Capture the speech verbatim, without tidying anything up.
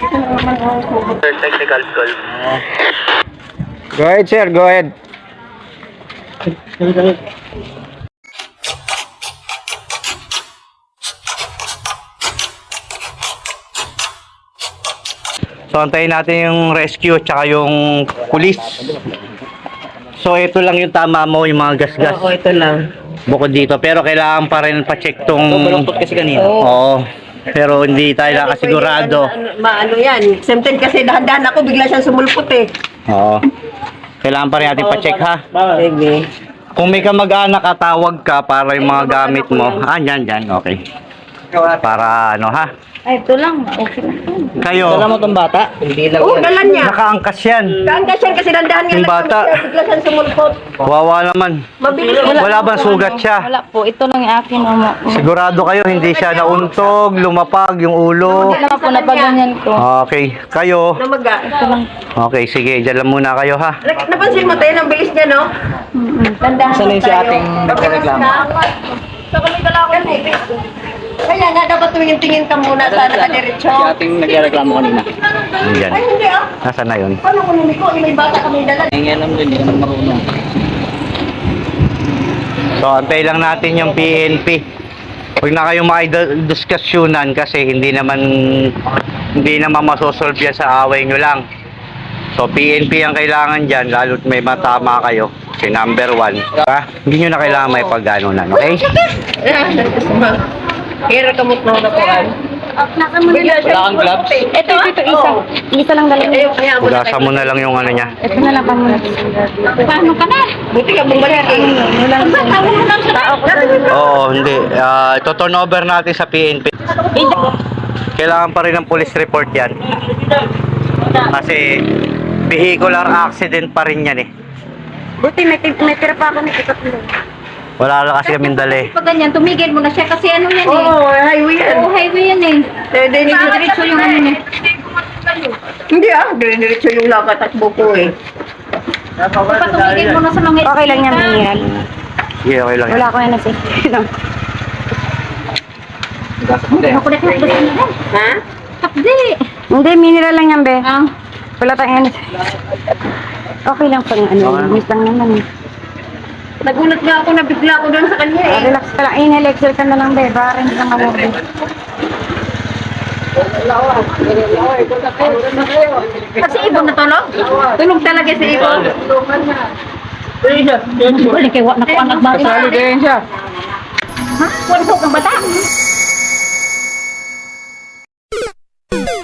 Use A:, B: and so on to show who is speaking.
A: Technical call.
B: Go ahead, sir. Go ahead. So, antayin natin yung rescue tsaka yung police. So, ito lang yung tama mo, yung mga gas-gas.
C: Oo, ito lang.
B: Bukod dito. Pero kailangan pa rin pa-check tong...
C: Baluktot kasi kanina.
B: Oo. Pero hindi tayo nakasigurado.
C: Ano, maano yan. Sometimes kasi dahan-dahan ako, bigla siyang sumulpot eh.
B: Oo. Kailangan pa rin natin pa-check ha.
C: Sige.
B: Kung may kamag-anak, katawag ka para yung mga gamit mo. Ah, yan, yan. Okay. Para ano ha.
D: Ay, ito lang. Okay lang.
B: Kayo,
C: mo tong bata? Hindi lang. Oo, dala niya.
B: nakaangkas yan.
C: Kaangkas yan kasi dahan-dahan nga
B: Yung
C: lang
B: bata.
C: siya, bigla siyang sumulpot.
B: Wawa naman.
C: Mabilis.
B: Wala bang sugat siya?
D: Wala po. Ito lang yung akin. Mama.
B: Sigurado kayo hindi siya nauntog, lumapag yung ulo.
D: Ito lang po. Napaganyan ko.
B: Okay. Kayo.
C: Namaga.
D: Ito lang.
B: Okay, sige. Diyan lang muna kayo ha.
C: Nak- Napansin mo tayo, ang bilis niya, no? Dahan-dahan
A: Saan yung si
C: tayo.
A: ating nagreklamo?
C: Sa kami dalawa eh. Kaya nga, dapat tumingin-tingin ka muna sa nakadiretso.
A: Si ating nagreklamo kanina.
B: Diyan.
C: Ay, hindi ah.
B: Nasaan na yun?
C: Paano kung hindi ko? May bata kami dala.
A: Hindi alam din, hindi naman marunong.
B: So, antay lang natin yung P N P. Huwag na kayong makidiskusyonan kasi hindi naman hindi naman masosolve yan sa away nyo lang. So, P N P ang kailangan dyan, lalo't may matama kayo. Si number one. Ha? Hindi nyo na kailangan may pagganunan, okay?
C: Hira kamot na na po.
D: Nasa mo na.
A: Wala kang gloves?
D: Ito, ito, isa. Isa lang galing.
C: Ayaw, kaya mo na.
B: Ugasan mo na lang yung ano niya.
D: Ito na lang pa muna. Paano ka na?
C: Buti ka mong balik eh.
D: Wala lang. Tao ko.
B: Oo, hindi. Uh, ito turn over natin sa P N P. Kailangan pa rin ng police report yan. Kasi vehicular accident pa rin yan eh.
D: Buti may, may tira pa ako nito tatlo.
B: Wala lang kasi kaming dali.
D: Pag ganyan, tumigil mo na siya kasi ano yan eh.
C: Oo, highway yan.
D: Oo, highway yan eh. Diretso yung ano niya.
C: Hindi ah, dire-diretso yung lakatakbo ko eh.
D: Dapat tumigil mo na sa mga... Okay lang yan, Mian.
B: Sige, okay lang yan.
D: Wala ko yan na safety. Ako na gusto nila.
C: Ha?
D: Hapdi.
E: Hindi, mineral lang yan, be.
D: Ah.
E: Wala tayong ano. Okay lang pang ano, miss lang naman. eh.
C: Nagulat nga ako, nabigla ako doon sa kanya eh.
E: Relax ka lang, inhale, exhale ka na lang, be. Para hindi ka mawag.
C: Kasi ibon na tulog? Tulog talaga si ibon.
D: Wala kay wak na ko anak bata.
A: Kasali din siya.
D: Ha? Wala ko kang bata.